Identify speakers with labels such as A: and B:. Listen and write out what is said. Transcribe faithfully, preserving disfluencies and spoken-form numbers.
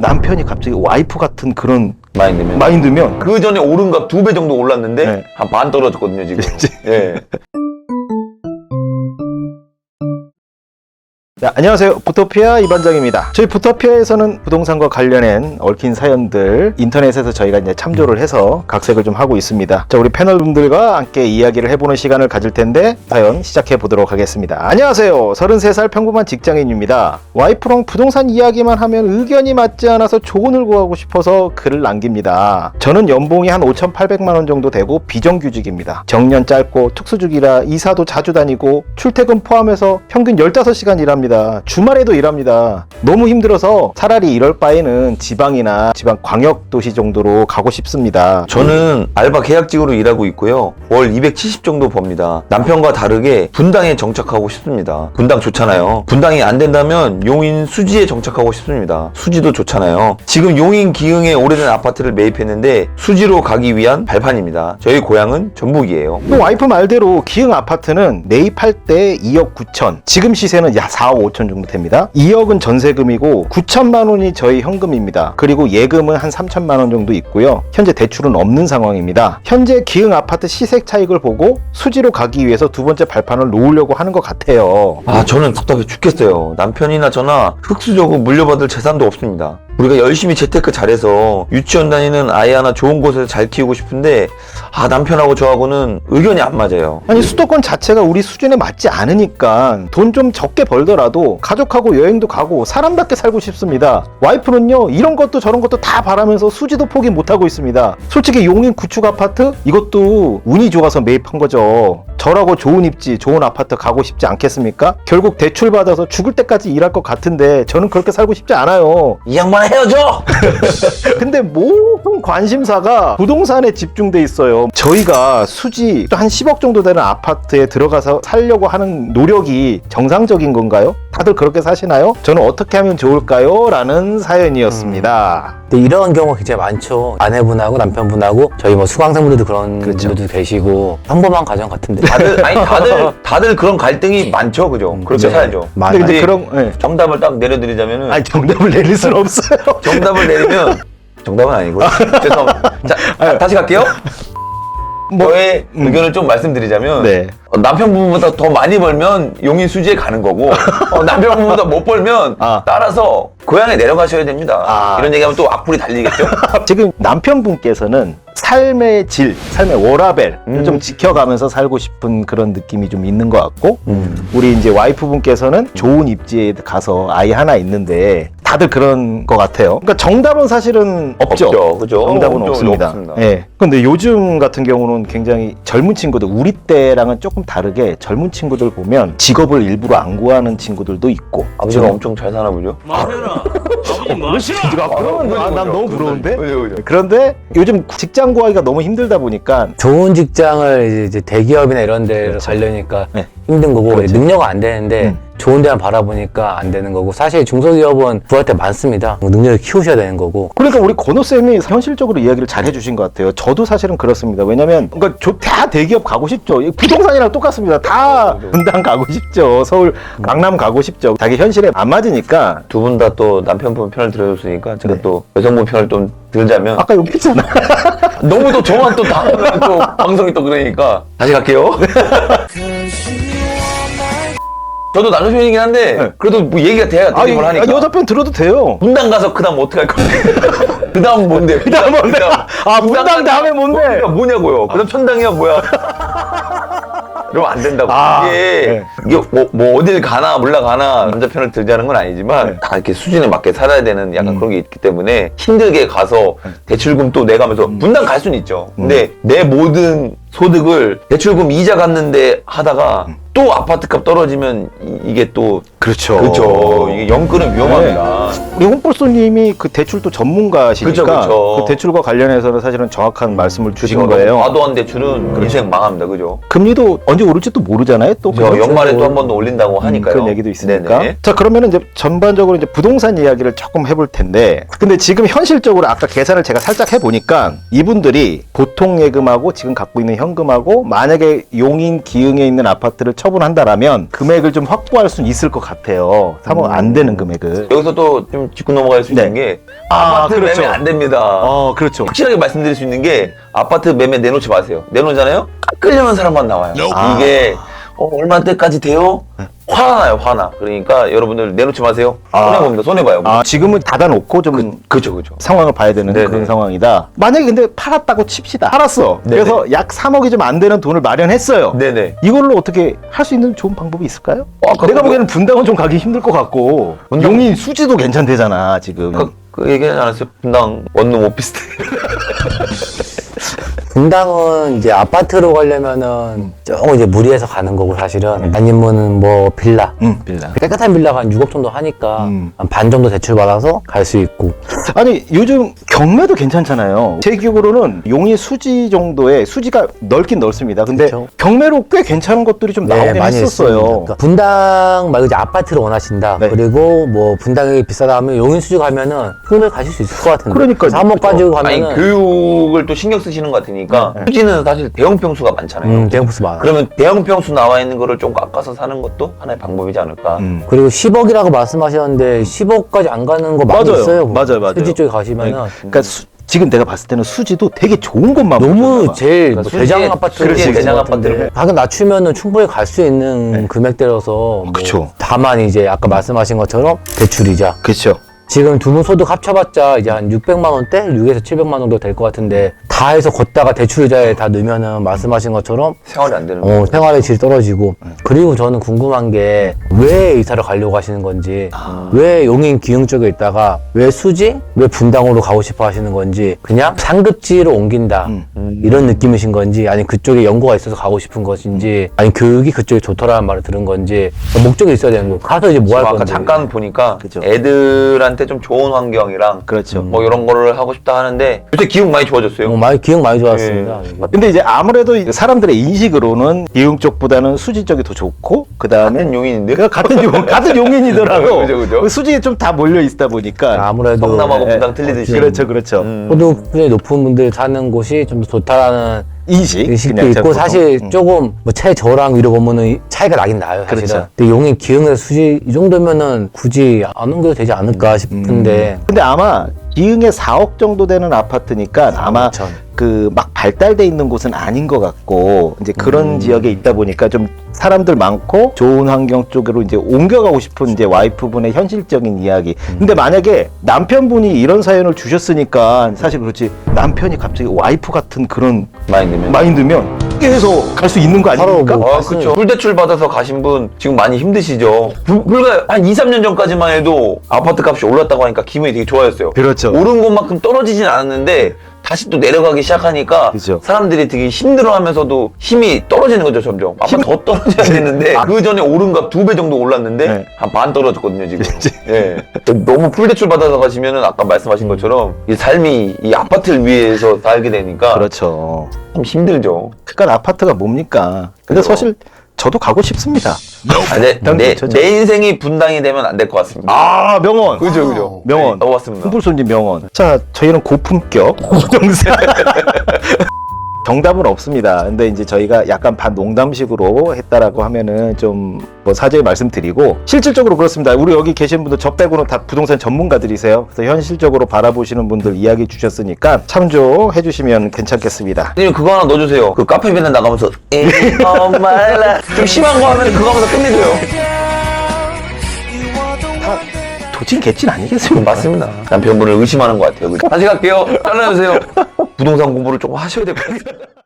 A: 남편이 갑자기 와이프 같은 그런
B: 마인드면
A: 마인드면
B: 그 전에 오른 값 두 배 정도 올랐는데
A: 네.
B: 한 반 떨어졌거든요 지금. 예.
A: 자, 안녕하세요. 부토피아 이반장입니다. 저희 부토피아에서는 부동산과 관련한 얽힌 사연들 인터넷에서 저희가 이제 참조를 해서 각색을 좀 하고 있습니다. 자, 우리 패널분들과 함께 이야기를 해보는 시간을 가질 텐데 사연 시작해 보도록 하겠습니다. 안녕하세요. 서른세 살 평범한 직장인입니다. 와이프랑 부동산 이야기만 하면 의견이 맞지 않아서 조언을 구하고 싶어서 글을 남깁니다. 저는 연봉이 한 오천팔백만 원 정도 되고 비정규직입니다. 정년 짧고 특수직이라 이사도 자주 다니고 출퇴근 포함해서 평균 열다섯 시간 일합니다. 주말에도 일합니다. 너무 힘들어서 차라리 이럴 바에는 지방이나 지방 광역도시 정도로 가고 싶습니다.
B: 저는 알바 계약직으로 일하고 있고요. 월 이백칠십 정도 법니다. 남편과 다르게 분당에 정착하고 싶습니다. 분당 좋잖아요. 분당이 안 된다면 용인 수지에 정착하고 싶습니다. 수지도 좋잖아요. 지금 용인 기흥에 오래된 아파트를 매입했는데 수지로 가기 위한 발판입니다. 저희 고향은 전북이에요.
A: 또 와이프 말대로 기흥 아파트는 매입할 때 이억 구천, 지금 시세는 약 사억 오천 정도 됩니다. 이억은 전세금이고 구천만 원이 저희 현금입니다. 그리고 예금은 한 삼천만 원 정도 있고요. 현재 대출은 없는 상황입니다. 현재 기흥 아파트 시세 차익을 보고 수지로 가기 위해서 두 번째 발판을 놓으려고 하는 것 같아요.
B: 아, 저는 답답해 죽겠어요. 남편이나 저나 흑수저고 물려받을 재산도 없습니다. 우리가 열심히 재테크 잘해서 유치원 다니는 아이 하나 좋은 곳에서 잘 키우고 싶은데 아, 남편하고 저하고는 의견이 안 맞아요.
A: 아니, 수도권 자체가 우리 수준에 맞지 않으니까 돈 좀 적게 벌더라도 가족하고 여행도 가고 사람답게 살고 싶습니다. 와이프는요, 이런 것도 저런 것도 다 바라면서 수지도 포기 못하고 있습니다. 솔직히 용인 구축 아파트 이것도 운이 좋아서 매입한 거죠. 저라고 좋은 입지 좋은 아파트 가고 싶지 않겠습니까? 결국 대출 받아서 죽을 때까지 일할 것 같은데 저는 그렇게 살고 싶지 않아요.
B: 이 양반 헤어져!
A: 근데 모든 관심사가 부동산에 집중돼 있어요. 저희가 수지 한 십억 정도 되는 아파트에 들어가서 살려고 하는 노력이 정상적인 건가요? 다들 그렇게 사시나요? 저는 어떻게 하면 좋을까요? 라는 사연이었습니다.
C: 근데 이런 경우가 굉장히 많죠. 아내분하고 남편분하고 저희 뭐 수강생분들도 그런
A: 그렇죠.
C: 분들도 계시고 평범한 가정 같은데
B: 다들, 아니, 다들, 다들 그런 갈등이 많죠, 그죠? 그렇게
C: 네.
B: 살죠.
C: 맞아요.
A: 근데 이제 그런, 예.
B: 정답을 딱 내려드리자면은,
A: 아니, 정답을 내릴 수는 없어요.
B: 정답을 내리면, 정답은 아니고요. 죄송합니다. 자, 아, 다시 갈게요.
A: 뭐,
B: 저의
A: 음.
B: 의견을 좀 말씀드리자면,
A: 네.
B: 어, 남편분보다 더 많이 벌면 용인 수지에 가는 거고, 어, 남편분보다 못 벌면
A: 아.
B: 따라서 고향에 내려가셔야 됩니다.
A: 아.
B: 이런 얘기하면 또 악플이 달리겠죠?
A: 지금 남편분께서는 삶의 질, 삶의 워라밸을
B: 음.
A: 좀 지켜가면서 살고 싶은 그런 느낌이 좀 있는 것 같고,
B: 음.
A: 우리 이제 와이프분께서는 좋은 입지에 가서 아이 하나 있는데 다들 그런 것 같아요. 그러니까 정답은 사실은 없죠.
B: 없죠, 그죠?
A: 정답은
B: 없죠,
A: 없습니다.
B: 없습니다.
A: 예. 근데 요즘 같은 경우는 굉장히 젊은 친구들, 우리 때랑은 조금 다르게 젊은 친구들 보면 직업을 일부러 안 구하는 친구들도 있고.
B: 아버지가 엄청 잘 사나 보죠?
D: 마셔라. 아버지 마시라.
A: 아, 난 너무 부러운데?
B: 그죠, 그죠.
A: 그런데 요즘 직장 구하기가 너무 힘들다 보니까
C: 좋은 직장을 이제 대기업이나 이런 데
A: 그렇죠.
C: 가려니까
A: 네.
C: 힘든 거고
A: 그렇죠.
C: 능력은 안 되는데
A: 음.
C: 좋은 데만 바라보니까 안 되는 거고 사실 중소기업은 구할 때 많습니다. 능력을 키우셔야 되는 거고
A: 그러니까 우리 권호쌤이 현실적으로 이야기를 잘 해주신 것 같아요. 저도 사실은 그렇습니다. 왜냐면 그러니까 저, 다 대기업 가고 싶죠. 부동산이랑 똑같습니다. 다 분당 가고 싶죠. 서울, 강남 가고 싶죠. 자기 현실에 안 맞으니까.
B: 두 분 다 또 남편분 편을 들어줬으니까 제가
A: 네.
B: 또 여성분 편을 좀 들자면
A: 아까 여기 있잖아.
B: 너무 또 저만 또 다, 또 방송이 또 그러니까 다시 갈게요. 저도 남자편이긴 한데
A: 네.
B: 그래도 뭐 얘기가 돼야
A: 아,
B: 되는 걸 하니까
A: 여자 편 들어도 돼요.
B: 분당 가서 그 다음 어떻게 할 건데? 그 다음 뭔데? 그 다음 뭔데?
A: 아, 분당 다음에 뭔데?
B: 뭐냐, 뭐냐고요? 그 다음 천당이야 뭐야? 이러면 안 된다고.
A: 아,
B: 이게,
A: 네.
B: 이게 뭐, 뭐 어딜 가나 올라가나 남자 편을 들자는 건 아니지만
A: 네.
B: 다 이렇게 수준에 맞게 살아야 되는 약간
A: 음.
B: 그런 게 있기 때문에 힘들게 가서 대출금 또 내가면서 분당 갈 수는 있죠. 근데 내 모든 소득을 대출금 이자 갚는데 하다가 또 아파트 값 떨어지면 이, 이게 또
A: 그렇죠.
B: 그렇죠. 이게 영끌은 위험합니다.
A: 우리 홍볼소님이 그 대출도 전문가시니까
B: 그쵸, 그쵸.
A: 그 대출과 관련해서는 사실은 정확한 말씀을 주신
B: 그죠?
A: 거예요.
B: 과도한 대출은 인생 망합니다. 그죠?
A: 금리도 언제 오를지 또 모르잖아요. 또
B: 저
A: 그렇죠.
B: 연말에 또 한 번 더 올린다고 하니까요.
A: 그런 얘기도 있으니까.
B: 네네.
A: 자, 그러면은 이제 전반적으로 이제 부동산 이야기를 조금 해볼 텐데, 근데 지금 현실적으로 아까 계산을 제가 살짝 해보니까 이분들이 보통 예금하고 지금 갖고 있는 현금하고 만약에 용인 기흥에 있는 아파트를 처분한다라면 금액을 좀 확보할 수는 있을 것 같아요. 삼억 안 되는 금액을.
B: 여기서 또 좀 짚고 넘어갈 수 있는
A: 네.
B: 게
A: 아,
B: 아파트
A: 그렇죠.
B: 매매 안 됩니다.
A: 어, 그렇죠.
B: 확실하게 말씀드릴 수 있는 게 아파트 매매 내놓지 마세요. 내놓잖아요? 깎으려는 사람만 나와요.
A: 아.
B: 이게 어, 얼마때까지 돼요? 화나요, 화나. 그러니까 여러분들 내놓지 마세요.
A: 아.
B: 손해봅니다, 손해봐요.
A: 아, 지금은 닫아놓고 좀
B: 그죠, 그죠.
A: 상황을 봐야 되는
B: 네네.
A: 그런 상황이다. 만약에 근데 팔았다고 칩시다. 팔았어.
B: 네네.
A: 그래서 약 삼억이 좀 안 되는 돈을 마련했어요.
B: 네네.
A: 이걸로 어떻게 할 수 있는 좋은 방법이 있을까요?
B: 어, 아까
A: 내가
B: 그거-
A: 보기에는 분당은 좀 가기 힘들 것 같고
B: 분당-
A: 용인 수지도 괜찮대잖아 지금.
B: 그, 그 얘기하지 않았어요? 분당 원룸 오피스텔.
C: 분당은 이제 아파트로 가려면은 조금 이제 무리해서 가는 거고 사실은 아니면은 뭐 빌라
A: 응, 빌라.
C: 깨끗한 빌라가 한 육억 정도 하니까
A: 음.
C: 한 반 정도 대출 받아서 갈 수 있고
A: 아니 요즘 경매도 괜찮잖아요. 제 기억으로는 용인 수지 정도의 수지가 넓긴 넓습니다. 근데
C: 그쵸.
A: 경매로 꽤 괜찮은 것들이 좀 나오긴 했었어요.
C: 있습니다. 그러니까 분당 말고 이제 아파트를 원하신다.
A: 네.
C: 그리고 뭐 분당이 비싸다 하면 용인 수지 가면은 충분히 가실 수 있을 것 같은데.
A: 그러니까요.
C: 삼억 가지고
B: 아니,
C: 가면은
B: 교육을 또 신경 쓰시는 것 같으니까 수지는 사실 대형 평수가 많잖아요.
C: 음, 대형부스 많아.
B: 그러면 대형 평수 나와 있는 거를 좀 깎아서 사는 것도 하나의 방법이지 않을까.
A: 음.
C: 그리고 십억이라고 말씀하셨는데 십억까지 안 가는 거 많이
A: 맞아요.
C: 있어요.
A: 맞아요, 맞아요.
C: 수지 쪽에 가시면은
A: 그러니까 수- 지금 내가 봤을 때는 수지도 되게 좋은 것만
C: 너무
A: 보여줬나 봐.
C: 제일
B: 그러니까
C: 뭐
B: 수지에-
C: 대장 아파트
B: 그렇지,
C: 같은
B: 대장
C: 것 같은데.
B: 아파트를.
C: 가격 낮추면은 충분히 갈 수 있는
A: 네.
C: 금액대라서 뭐
A: 그쵸.
C: 다만 이제 아까 말씀하신 것처럼 대출이자
A: 그렇죠.
C: 지금 두 분 소득 합쳐봤자 이제 한 육백만 원대? 육에서 칠백만 원 정도 될 것 같은데 다 해서 걷다가 대출이자에 다 넣으면은 말씀하신 것처럼
B: 생활이 안 되는
C: 어,
B: 거예요.
C: 생활의 질이 떨어지고 그리고 저는 궁금한 게 왜 이사를 가려고 하시는 건지 왜 용인 기흥 쪽에 있다가 왜 수지? 왜 분당으로 가고 싶어 하시는 건지 그냥 상급지로 옮긴다
A: 음.
C: 이런 느낌이신 건지 아니 그쪽에 연구가 있어서 가고 싶은 것인지 아니 교육이 그쪽에 좋더라는 말을 들은 건지 목적이 있어야 되는 거 가서 이제 뭐 할
B: 지금 아까
C: 건지
B: 잠깐 보니까
A: 그죠.
B: 애들한테 좀 좋은 환경이랑
A: 그렇죠.
B: 뭐 이런 거를 하고 싶다 하는데 요새 기운 많이 좋아졌어요.
C: 어, 많이 기억 많이 좋았습니다.
A: 근데 이제 아무래도 사람들의 인식으로는 기흥 쪽보다는 수지 쪽이 더 좋고 그 다음에
B: 같은 용인인데
A: 그 같은 용 같은 용인이더라고.
B: 그죠, 그죠.
A: 그 수지에 좀 다 몰려 있다 보니까.
C: 아무래도
B: 성남하고
A: 예,
B: 분당 틀리듯이.
A: 그렇죠, 그렇죠.
B: 음.
C: 소득 수준이 높은 분들 사는 곳이 좀 더 좋다라는
A: 인식.
C: 의식도
A: 그냥
C: 있고
A: 보통.
C: 사실
A: 음.
C: 조금 뭐 최저랑 위로 보면은 차이가 나긴 나요 사실은.
A: 그렇죠.
C: 근데 용인 기흥에서 수지 이 정도면은 굳이 안 옮겨도 되지 않을까 싶은데
A: 근데 아마 기흥에 사억 정도 되는 아파트니까 아마
C: 사억 오천.
A: 그 막 발달돼 있는 곳은 아닌 것 같고 이제 그런 지역에 있다 보니까 좀 사람들 많고 좋은 환경 쪽으로 이제 옮겨가고 싶은 이제 와이프분의 현실적인 이야기. 근데 만약에 남편분이 이런 사연을 주셨으니까 사실 그렇지 남편이 갑자기 와이프 같은 그런
B: 많이 넣으면.
A: 마인드면 해서 갈 수 있는 거 아닙니까?
C: 뭐-
B: 아, 그쵸. 불대출 받아서 가신 분 지금 많이 힘드시죠. 불, 불과 한 이, 삼 년 전까지만 해도 아파트 값이 올랐다고 하니까 기분이 되게 좋아졌어요.
A: 그렇죠.
B: 오른 것만큼 떨어지진 않았는데 다시 또 내려가기 시작하니까
A: 그죠.
B: 사람들이 되게 힘들어하면서도 힘이 떨어지는 거죠 점점. 아마 더 떨어져야 되는데 그 전에 오른 값 두 배 정도 올랐는데
A: 네.
B: 한 반 떨어졌거든요 지금. 예. 너무 풀대출 받아서 가시면은 아까 말씀하신 것처럼 이 삶이 이 아파트를 위해서 살게 되니까
A: 그렇죠.
B: 참 힘들죠.
A: 그러니까 아파트가 뭡니까? 근데
B: 그죠.
A: 사실 저도 가고 싶습니다.
B: 아, 내,
A: 난
B: 내,
A: 좋죠.
B: 내 인생이 분당이 되면 안 될 것 같습니다.
A: 아 명언.
B: 그죠 그죠.
A: 명언.
B: 네, 넘어갔습니다.
A: 풍불손지 명언. 자, 저희는 고품격 부동산. 정답은 없습니다. 근데 이제 저희가 약간 반 농담식으로 했다라고 하면은 좀 뭐 사죄의 말씀드리고 실질적으로 그렇습니다. 우리 여기 계신 분들 저 빼고는 다 부동산 전문가들이세요. 그래서 현실적으로 바라보시는 분들 이야기 주셨으니까 참조해 주시면 괜찮겠습니다.
B: 선생님 그거 하나 넣어주세요. 그 카페 맨날 나가면서 oh my life 좀 심한 거 하면 그거 하면서 끝내줘요.
A: 도찐 개찐 아니겠습니까?
B: 맞습니다. 남편분을 의심하는 것 같아요. 그죠? 다시 갈게요. 잘라주세요. 부동산 공부를 조금 하셔야 될 것 같아요.